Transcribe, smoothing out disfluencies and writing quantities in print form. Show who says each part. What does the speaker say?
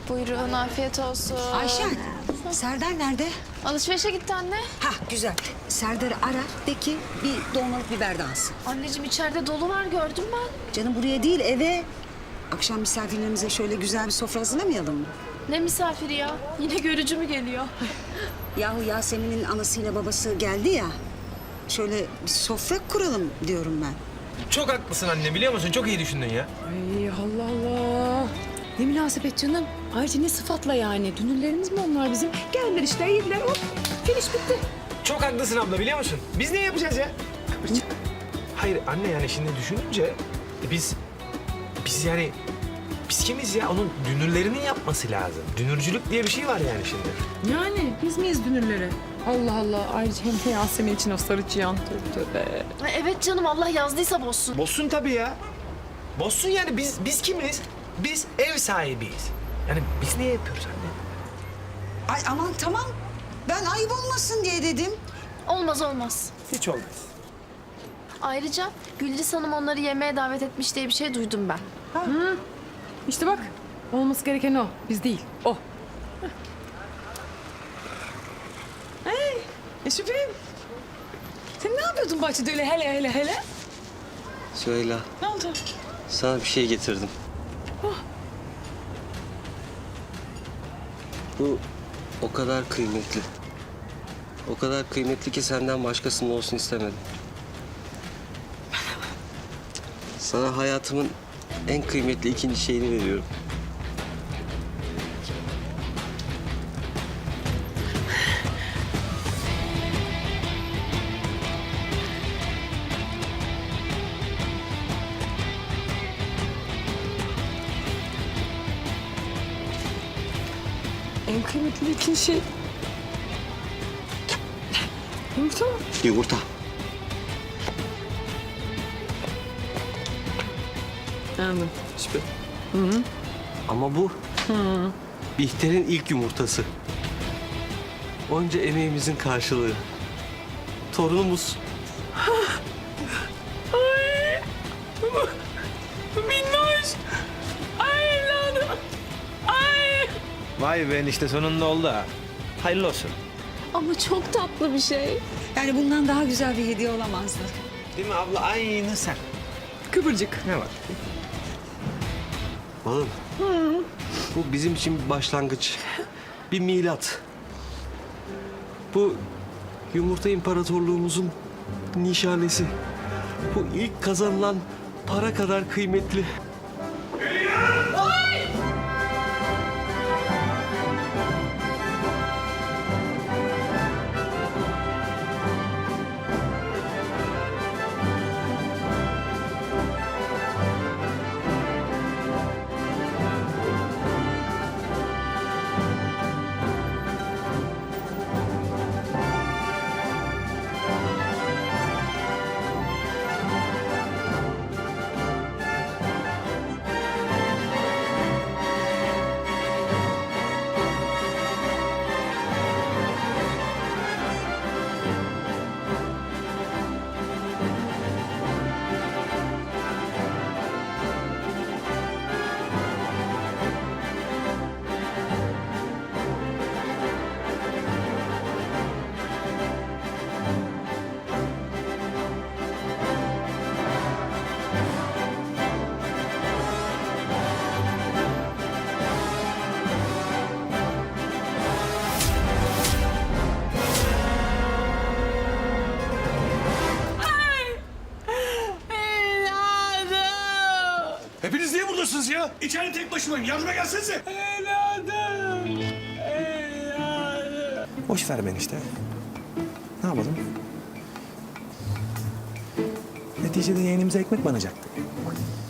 Speaker 1: Buyurun, afiyet olsun.
Speaker 2: Ayşen, Serdar nerede?
Speaker 1: Alışverişe gitti anne.
Speaker 2: Hah güzel. Serdar'ı ara de ki bir dolmalık biber de alsın.
Speaker 1: Anneciğim içeride dolu var, gördüm ben.
Speaker 2: Canım buraya değil eve. Akşam misafirlerimize şöyle güzel bir sofra hazırlamayalım mı?
Speaker 1: Ne misafiri ya? Yine görücü mü geliyor?
Speaker 2: Yahu Yasemin'in anasıyla babası geldi ya. Şöyle bir sofra kuralım diyorum ben.
Speaker 3: Çok haklısın anne, biliyor musun? Çok iyi düşündün ya.
Speaker 4: Ay Allah Allah. Ne münasebet canım. Ayrıca ne sıfatla yani. Dünürlerimiz mi onlar bizim? Geldiler işte yediler hop. Finish bitti.
Speaker 3: Çok haklısın abla, biliyor musun? Biz ne yapacağız ya? Hayır anne, yani şimdi düşününce biz yani biz kimiz ya? Onun dünürlerinin yapması lazım. Dünürcülük diye bir şey var yani şimdi.
Speaker 4: Yani biz miyiz dünürleri? Allah Allah. Ayrıca hem de Yasemin için o sarı çıyan. Tövbe tövbe.
Speaker 1: Evet canım, Allah yazdıysa bozsun.
Speaker 3: Bozsun tabii ya. Bozsun yani, biz kimiz? Biz ev sahibiyiz. Yani biz niye yapıyoruz anne?
Speaker 2: Ay aman tamam. Ben ayıp olmasın diye dedim.
Speaker 1: Olmaz olmaz.
Speaker 3: Hiç olmaz.
Speaker 1: Ayrıca Gülriz Hanım onları yemeğe davet etmiş diye bir şey duydum ben.
Speaker 4: İşte bak. Olması gereken o. Biz değil. O. Hey. Şüpheyim. Sen ne yapıyordun bahçede öyle hele?
Speaker 5: Süheyla,
Speaker 4: Ne oldu?
Speaker 5: sana bir şey getirdim. Bu o kadar kıymetli. O kadar kıymetli ki senden başkasının olsun istemedim. Sana hayatımın en kıymetli ikinci şeyini veriyorum.
Speaker 4: En kıymetli ikinci şey. Yumurta mı?
Speaker 5: Yumurta.
Speaker 4: Anladım.
Speaker 5: Süper. Ama bu Bihter'in ilk yumurtası. Onca emeğimizin karşılığı. Torunumuz.
Speaker 4: Minnoş. Ay evladım. Ay.
Speaker 3: Vay be, işte sonunda oldu ha. Hayırlı olsun.
Speaker 1: Ama çok tatlı bir şey.
Speaker 2: Yani bundan daha güzel bir hediye olamazdı.
Speaker 3: Değil mi abla? Aynı sen.
Speaker 4: Kıvırcık.
Speaker 3: Ne var?
Speaker 5: Balım. Bu bizim için bir başlangıç. Bir milat. Bu yumurta imparatorluğumuzun nişanesi. Bu ilk kazanılan para kadar kıymetli.
Speaker 6: Hepiniz niye buradasınız ya? İçeride tek başımayım. Yardıma gelsenize.
Speaker 3: Boş ver beni işte. Ne yapalım? Neticede yeğenimize ekmek banacaktı.